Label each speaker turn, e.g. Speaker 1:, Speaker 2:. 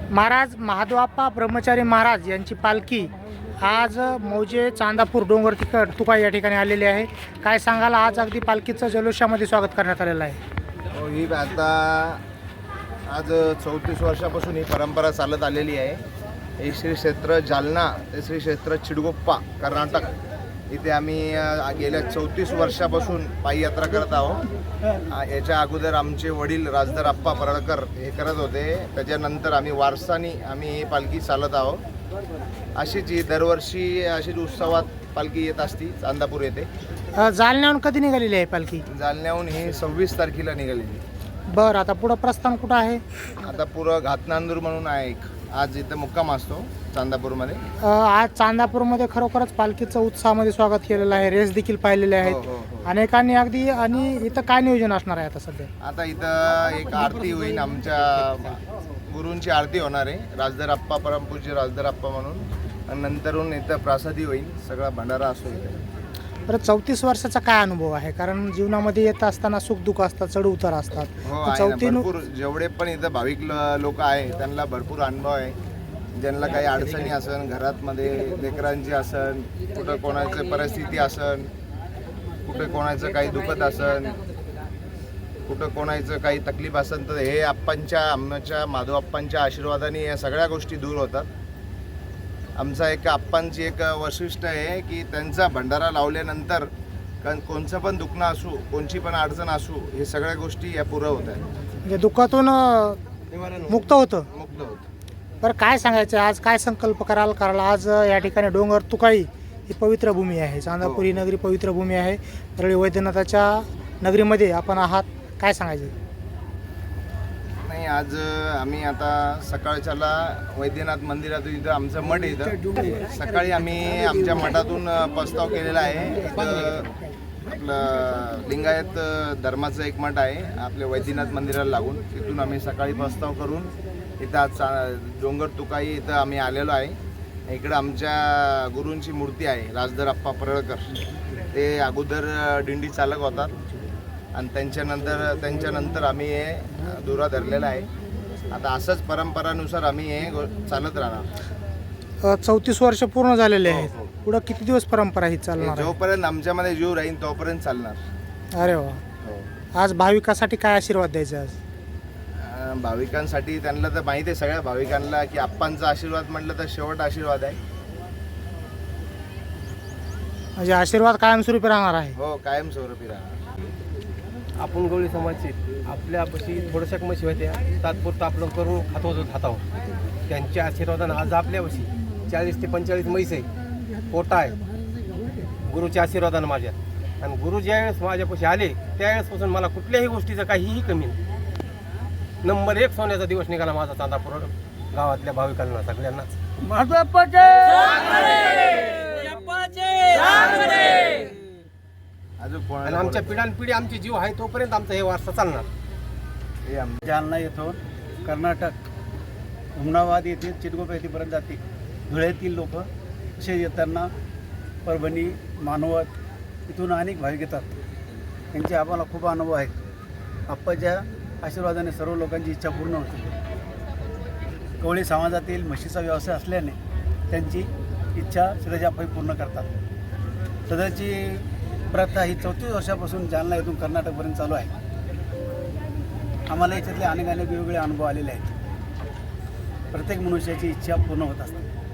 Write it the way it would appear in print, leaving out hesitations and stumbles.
Speaker 1: महाराज महादेवाप्पा ब्रह्मचारी महाराज यांची पालखी आज मौजे चांदापूर डोंगर तुका या ठिकाणी आलेली आहे. काय सांगाल, आज अगदी पालखीचं जल्लोषामध्ये स्वागत करण्यात आलेलं आहे.
Speaker 2: हो, ही आता आज 34 वर्षापासून ही परंपरा चालत आलेली आहे. हे श्री क्षेत्र जालना ते श्री क्षेत्र चिडगोप्पा कर्नाटक इथे आम्ही गेल्या 34 वर्षापासून पायी यात्रा करत आहोत. याच्या अगोदर आमचे वडील राजधर आप्पा परळकर हे करत होते. त्याच्यानंतर आम्ही वारसानी ही पालखी चालत आहोत. अशीच ही दरवर्षी अशीच उत्सवात पालखी येत असती चांदापूर येथे.
Speaker 1: जालन्याहून कधी निघालेली आहे पालखी?
Speaker 2: जालन्याहून ही 26 तारखेला निघालेली.
Speaker 1: बरं, आता पुढं प्रस्थान कुठं आहे?
Speaker 2: आता पुढं घातनांदूर म्हणून आहे एक, आज इथं मुक्काम असतो चांदापूरमध्ये.
Speaker 1: आज चांदापूरमध्ये खरोखरच पालखीचं उत्साहामध्ये स्वागत केलेलं आहे. रेस देखील पाहिलेले आहेत.
Speaker 2: हो.
Speaker 1: अनेकांनी अगदी. आणि इथं काय नियोजन असणार आहे आता सध्या?
Speaker 2: आता इथं एक आरती होईल, आमच्या गुरूंची आरती होणार आहे, राजधर आप्पा परमपूज्य राजधर आप्पा म्हणून. आणि नंतरून इथं प्रासादी होईल, सगळा भंडारा असतो इथे.
Speaker 1: बरं, 34 वर्षाचा काय अनुभव आहे? कारण जीवनामध्ये येत असताना सुख दुःख असतात, चढ उतार असतात.
Speaker 2: हो, आहे ना. भरपूर जेवढे पण इथं भाविक लोक आहे त्यांना भरपूर अनुभव आहे. ज्यांना काही अडचणी असन घरात मध्ये, लेकरांची असन, कुठं कोणाची परिस्थिती असन, कुठं कोणाचं काही दुखत असन, कुठं कोणाचं काही तकलीफ असन, तर हे आमच्या माधव आप्पांच्या आशीर्वादाने या सगळ्या गोष्टी दूर होतात. आमचा एक आप्पांची एक वैशिष्ट्य आहे की त्यांचा भंडारा लावल्यानंतर कोणचं पण दुखणं असू, कोणची पण अडचण असू, हे सगळ्या गोष्टी या पुरं होत आहेत.
Speaker 1: म्हणजे दुःखातून मुक्त होतं. बरं, काय सांगायचं आज? काय संकल्प कराल आज या ठिकाणी डोंगर तुकाई ही पवित्र भूमी आहे. चांदापूर ही नगरी पवित्र भूमी आहे. परळी वैद्यनाथाच्या नगरीमध्ये आपण आहात. काय सांगायचं?
Speaker 2: नाही, आज आम्ही आता सकाळच्याला वैद्यनाथ मंदिरातून इथं आमचं मठ आहे. इथं सकाळी आम्ही आमच्या मठातून प्रस्ताव केलेला आहे. इथं आपलं लिंगायत धर्माचं एक मठ आहे आपल्या वैद्यनाथ मंदिराला लागून. तिथून आम्ही सकाळी प्रस्ताव करून इथं आज डोंगर तुकाई इथं आम्ही आलेलो आहे. इकडं आमच्या गुरूंची मूर्ती आहे, राजधर आप्पा परळकर. ते अगोदर दिंडी चालक होतात आणि त्यांच्यानंतर आम्ही हे दुरा धरलेला आहे. आता असंच परंपरानुसार आम्ही हे चालत राहणार.
Speaker 1: 34 वर्ष पूर्ण झालेले आहेत.
Speaker 2: हो.
Speaker 1: पुढं किती दिवस परंपरा ही चालणार?
Speaker 2: जोपर्यंत आमच्यामध्ये जीव राहील तोपर्यंत चालणार.
Speaker 1: अरे वा. आज भाविकासाठी काय आशीर्वाद द्यायचा? आज
Speaker 2: भाविकांसाठी त्यांना तर माहिती आहे, सगळ्या भाविकांना, की आप्पांचा आशीर्वाद म्हटलं तर शेवट आशीर्वाद आहे.
Speaker 1: म्हणजे आशीर्वाद कायमस्वरूपी राहणार आहे.
Speaker 2: हो, कायमस्वरूपी राहणार.
Speaker 3: आपण गवळी समाजचे आपल्यापाशी थोड्याशा म्हशी होत्या, तात्पुरतं आपलं करून खात आहोत. त्यांच्या आशीर्वादानं आज आपल्यापाशी 40 ते 45 म्हैस आहे, पोटा आहे गुरुच्या आशीर्वादानं माझ्या. आणि गुरु ज्यावेळेस माझ्यापाशी आले त्यावेळेसपासून मला कुठल्याही गोष्टीचं काहीही कमी नाही. नंबर 1 सोन्याचा दिवस निघाला माझा चांदापूर गावातल्या भाविकांना सगळ्यांना. आणि आमच्या पिढ्यानपिढी आमची जीव आहे तोपर्यंत आमचा हे वारसा चालणार.
Speaker 4: जालना येथून कर्नाटक हुमनाबाद येथे चिडगोप येथेपर्यंत जाते. धुळ्यातील लोक असे येताना परभणी, मानवत इथून अनेक भाविक येतात. त्यांचे आम्हाला खूप अनुभव आहेत. आप्पाच्या आशीर्वादाने सर्व लोकांची इच्छा पूर्ण होते. कवळी समाजातील म्हशीचा व्यवसाय असल्याने त्यांची इच्छा सदाची पूर्ण करतात. सदाची प्रथा ही 34 वर्षापासून जालना येथून कर्नाटकपर्यंत चालू आहे. आम्हाला याच्यातले अनेक वेगवेगळे अनुभव आलेले आहेत. प्रत्येक मनुष्याची इच्छा पूर्ण होत असते.